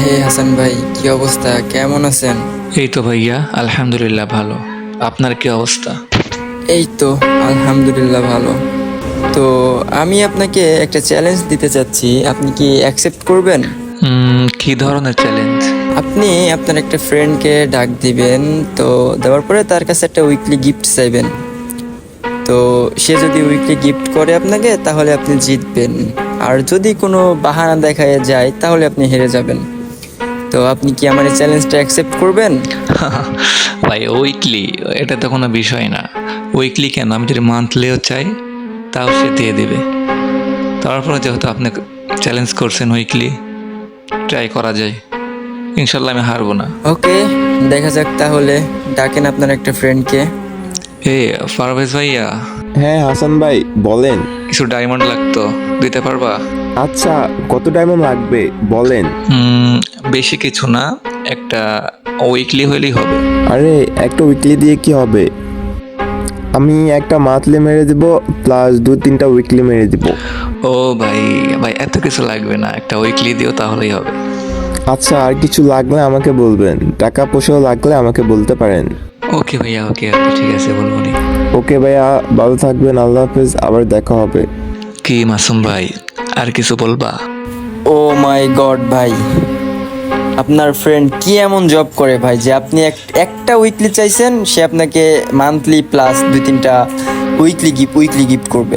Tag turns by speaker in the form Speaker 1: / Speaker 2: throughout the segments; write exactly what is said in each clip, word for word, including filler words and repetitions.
Speaker 1: হে হাসান ভাই, কি অবস্থা? কেমন আছেন?
Speaker 2: এই তো ভাইয়া, আলহামদুলিল্লাহ ভালো। আপনার কি অবস্থা?
Speaker 1: এই তো আলহামদুলিল্লাহ ভালো। তো আমি আপনাকে একটা চ্যালেঞ্জ দিতে চাচ্ছি, আপনি কি অ্যাকসেপ্ট করবেন?
Speaker 2: উম, কি ধরনের চ্যালেঞ্জ?
Speaker 1: আপনি আপনার একটা ফ্রেন্ডকে ডাক দিবেন, তো দেওয়ার পরে তার কাছে একটা উইকলি গিফট চাইবেন। তো সে যদি উইকলি গিফট করে আপনাকে, তাহলে আপনি জিতবেন। আর যদি কোনো বাহানা দেখায় যায়, তাহলে আপনি হেরে যাবেন। তো আপনি কি আমার এই চ্যালেঞ্জটা অ্যাকসেপ্ট করবেন?
Speaker 2: ভাই উইকলি, এটা তো কোনো বিষয় না। উইকলি কেন, আমি যদি মান্থলিও চাই তাও সে দিয়ে দিবে। তারপরে যেহেতু আপনি চ্যালেঞ্জ করছেন উইকলি, ট্রাই করা যায়। ইনশাল্লাহ আমি হারবো না।
Speaker 1: ওকে, দেখা যাক তাহলে। ডাকেন আপনার একটা ফ্রেন্ডকে।
Speaker 2: এ পারভেজ ভাইয়া,
Speaker 3: হ্যাঁ হাসান ভাই, বলেন।
Speaker 2: কিছু ডায়মন্ড লাগতো, দিতে পারবা?
Speaker 3: আচ্ছা, কত ডায়মন্ড লাগবে বলেন।
Speaker 2: উম, বেশি কিছু না, একটা উইকলি হইলেই হবে।
Speaker 3: আরে একটা উইকলি দিয়ে কি হবে? আমি একটা মান্থলি মেরে দিব, প্লাস দু তিনটা উইকলি মেরে দিব।
Speaker 2: ও ভাই, ভাই এত কিছু লাগবে না, একটা উইকলি দিও তাহলেই হবে।
Speaker 3: আচ্ছা, আর কিছু লাগলে আমাকে বলবেন, টাকা পয়সাও লাগলে আমাকে বলতে পারেন।
Speaker 2: ওকে ভাইয়া, ওকে ওকে, ঠিক আছে, বলবো নি।
Speaker 3: ওকে ভাইয়া, ভালো থাকবেন, আল্লাহ হাফেজ, আবার দেখা হবে।
Speaker 2: কি মাসুম ভাই, আর কিছু বলবা?
Speaker 1: ও মাই গড ভাই, আপনার ফ্রেন্ড কি এমন জব করে ভাই যে আপনি এক- একটা উইকলি চাইছেন, সে আপনাকে মান্থলি প্লাস দুই তিনটা উইকলি গিফট উইকলি গিফট করবে।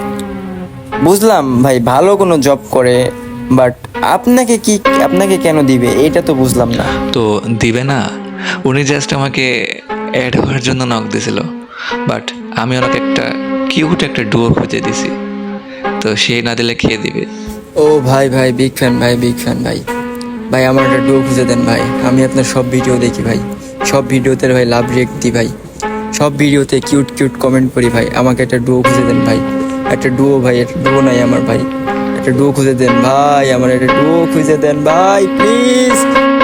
Speaker 1: বুঝলাম ভাই, ভালো কোনো জব করে, বাট আপনাকে কি আপনাকে কেন দিবে এটা তো বুঝলাম না।
Speaker 2: তো দিবে না, উনি জাস্ট আমাকে অ্যাড হওয়ার জন্য নক দিছিল, বাট আমি ওনাকে একটা কিউট একটা ডুয়ো খুঁজে দিছি, তো সে না দিলে খেয়ে দিবে।
Speaker 1: ও ভাই ভাই, বিগ ফ্যান ভাই, বিগ ফ্যান ভাই। ভাই আমার একটা ডুও খুঁজে দেন ভাই, আমি আপনার সব ভিডিও দেখি ভাই, সব ভিডিওতে ভাই লাভ রিয়েক্ট দিই ভাই, সব ভিডিওতে কিউট কিউট কমেন্ট করি ভাই। আমাকে একটা ডুও খুঁজে দেন ভাই, একটা ডুও ভাই, একটা ডুও নাই আমার ভাই, একটা ডুও খুঁজে দেন ভাই, আমার একটা ডুও খুঁজে দেন ভাই প্লিজ।